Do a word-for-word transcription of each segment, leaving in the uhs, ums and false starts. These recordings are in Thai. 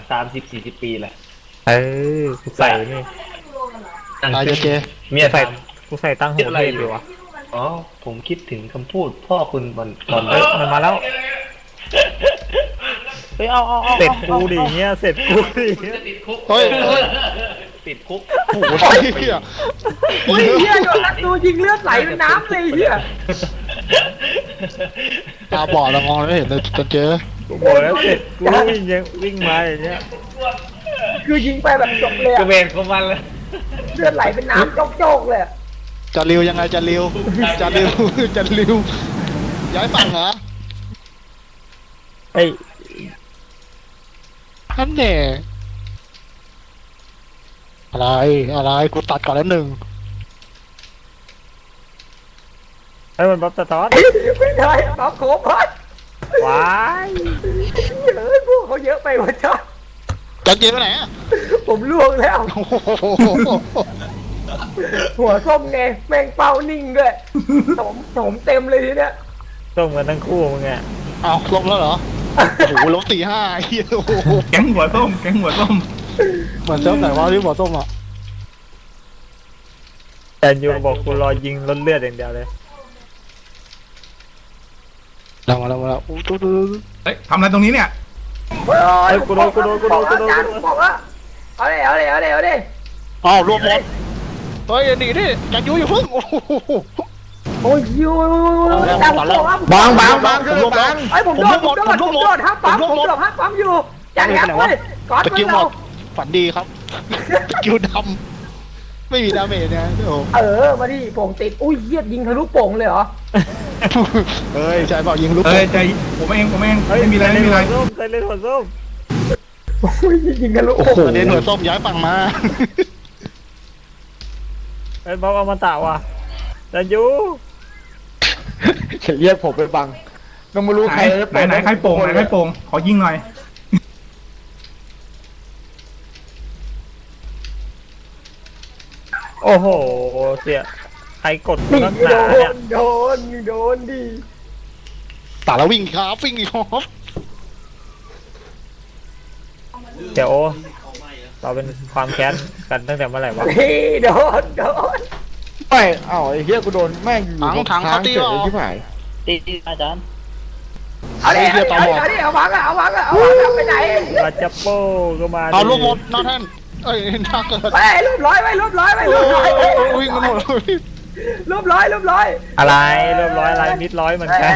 สามสิบสี่สิบปีแหละเออกูใส่นี่ตายเจเจเมียใส่ถามกูใส่ตั้งหัวเทพอยู่วะอ๋อผมคิดถึงคำพูดพ่อคุณตอนตอนเฮ้ยมันมาแล้วไปเอาเอาเอาเสร็จกูดิเงี้ยเสร็จกูดิเงี้ยติดคุกเฮ้ยเฮ้ยติดคุกโอ้โหไอ้เหี้ยเฮ้ยเฮียโดนรัดดูยิงเลือดไหลเป็นน้ำเลยเฮียตาบอดแล้วมองไม่เห็นเลยเจเจกูบอกแล้วเสร็จกูวิ่งยังวิ่งมาอย่างเงี้ยคือยิงไปแบบจบเลยกระอะเบนของมันเลยเลือดไหลเป็นน้ำโจกๆเลยอะจะริวยังไงจะริวจะริวจะริวย้ายฝั่งเหรอเฮ้ยท่านแน่อะไรอะไรกูตัดก่อนแล้วหนึ่งเฮ้ยมันบ๊อบสะท้อนไม่ได้ปั๊บโคบพัดว้ายเฮ้ยพวกเขาเยอะไปวะจ๊ะจะเจไปไหนอะผมล่วงแล้วโอ้โหหัวส้มไงแมงเป้านิ่งด้วยผมผมเต็มเลยทีเนี้ยต้มกันทั้งคู่มึงอ่ะเอาลบแล้วเหรอโอ้โหลบสี่ห้าไอ้เหี้ยโอ้โหแก๊งหัวส้มแก๊งหัวส้มเหมือนเจ้าไหนวะที่หัวต้มอ่ะแต่ยูบอกกูรอยิงล้นเลือดอย่างเดียวเลยแล้วมาแล้วมาแล้วโอ้ดูดูดูเฮ้ยทำอะไรตรงนี้เนี่ยเฮ้ยเฮ้ยกูโดนกูโดนกูโดนกูโดนอาจารย์บอกว่าเอาเลยเอาเลยเอาเลยเอาเลยอ้าวรวมหมดเฮ้ยหนีดิจันยูอย่าพึ่งโอ้โหโอ้ยยูอาจารย์บอกว่าบางบางบางคือลบแล้วไอ้ผมโดนผมโดนผมโดนห้ามปั๊มผมโดนห้ามปั๊มอยู่อาจารย์ครับเฮ้ยก่อนตะกิ้วหมเราดฝันดีครับตะกิ้วดำไม่มีดาเมจนะโอ้เออมาดิโป่งติดอุ้ยเยียดยิงทะลุโป่งเลยเหรอเฮ้ยใช่เปล่ายิงลูกเอ้ยใจผมเองผมเองเฮ้ยไม่มีอะไรไม่มีอะไรส้มใส่เลือดหัวส้มอุ้ยยิงทะลุโอ้โป่งโหเดนหัวส้มย้ายฝั่งมาเฮ้ยบ๊อบเอามาตะว่ะแต่ยูเรียกผมไปบังก็ไม่รู้ไหนใครไหนไหนใครโป่งไหนใครโป่งขอยิงหน่อยโอ้โหเสียใครกดกูนี่นักหโดนาเนี่ยนโดนโดนดิตาแล้ววิ่งครับวิ่งอีกครับเดี๋ยวเราเป็นความแค้นกันตั้งแต่เมื่อไหร่วะนี่โดนโดนไม่เอ้าไอ้เหี้ยกูโดนแม่งอยู่ถังถังเขาตีเฉหรยอที่ไหนตีอาจารย์เอาดิเอาดิเอาดิเอาวางอะเอาวางอะเอาวางอะไปไหนมาจับโป้ก็มาเอาลูกหมดนอนแท่นเอ้ยน่าเกิดไปรูปร้อยไปรูปร้อยไปโอ้รูปร้อยยวิ่งกันหมดเลยรูปร้อยรูปร้อยอะไรเรียบร้อยอะไรมิดร้อยเหมือนกัน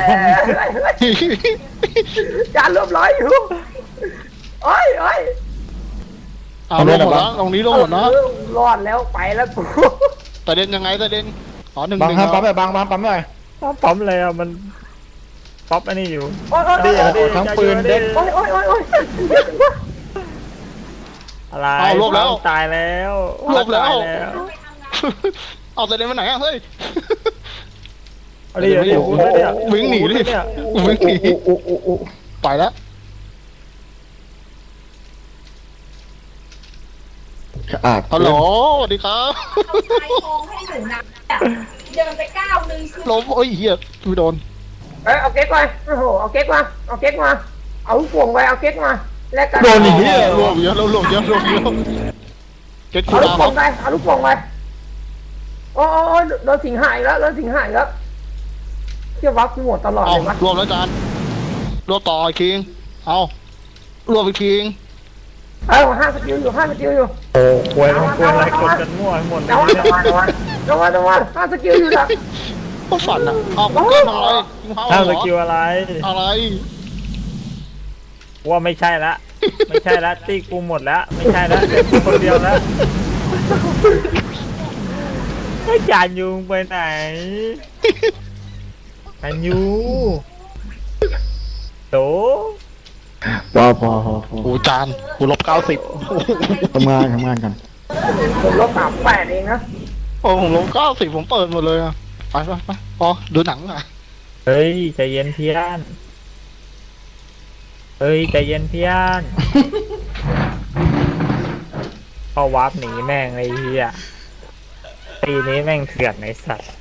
จานรูปร้อยอยู่โอ้ยโอ้ยเอาลงหมดแล้วตรงนี้ลงหมดนะรอดแล้วไปแล้วกูแต่เด่นยังไงแต่เด่นอ๋อหนึ่งหบังนึ่งครับปั๊มเหไปรอบังบังปั๊มหน่อยปั๊มอะไรอ่ะมันป๊อปอันนี้อยู่โอ้ยโอ้ยดีโอ้ยอ่ะดีทั้งปืนเด็กโอ้ยโอ้ยโอ้ยโอ้ยอะไรเอาลบแล้วตายแล้วลบแล้วตายแล้วเอาแต่เด่นมาไหนอะเฮ้ยเอาดิเอาดิโอ้โหเอาดิวิ่งหนีดิเนี่ยวิ่งหนีโอ้โอ้โอ้โอ้ไปแล้วสะอาดฮัลโหลสวัสดีครับเอาชายโครงให้หนูนะเดินไปก้าวนึงคือล้มโอ้ยเหี้ยไม่โดนเอ้ยเอาเก๊กมาโอ้โหเอาเก๊กมาเอาเก๊กมาเอาลูกโป่งไปเอาเก๊กมาแลกกันโดนอย่างนี้รวมเยอะรวมเยอะรวมเยอะเก็ตคูเอาลูดาก วคโป่รังบไปเอาลูกโป่งไปโอ้โอ้โอ้โดนสิงหายแล้วโดนสิงหายแล้วเที่ยววับกูหมดตลอดเอาเลยวะรวมแล้วจานรวมต่ออีกทีเอารวมอีกทีเออห้าสกิลอยู่ห้าสกิลอยู่โอ้ควยมันควยอะไรกดกันมั่วให้หมดเลยระวังเนี่ยระวังระวังระวังระวังห้าสกิลอยู่นะก็ฝันอ่ะเอากูเกินอะไรกูเฮาห้ามเหสรอกิลอะไรอะไรว่าไม่ใช่ละไม่ใช่ละตีกูหมดแล้วไม่ใช่ละเหลือกูคนเดียวแล้วไอ้จานยูงไปไหนจานยูโตพอพอพอพอโอ้จานกูลบเก้าสิบทำงานทำงานกันผมลบสามแปดเองนะโอ้ผมลบเก้าสิบผมเปิดหมดเลยอะไปไปไปพอดูหนังอ่ะเฮ้ยใจเย็นเพี้ยนเฮ้ยใจเย็นเพี้ยนพอวาร์ปหนีแม่งไอ้เหี้ยตีนี้แม่งเถื่อนไอ้สัตว์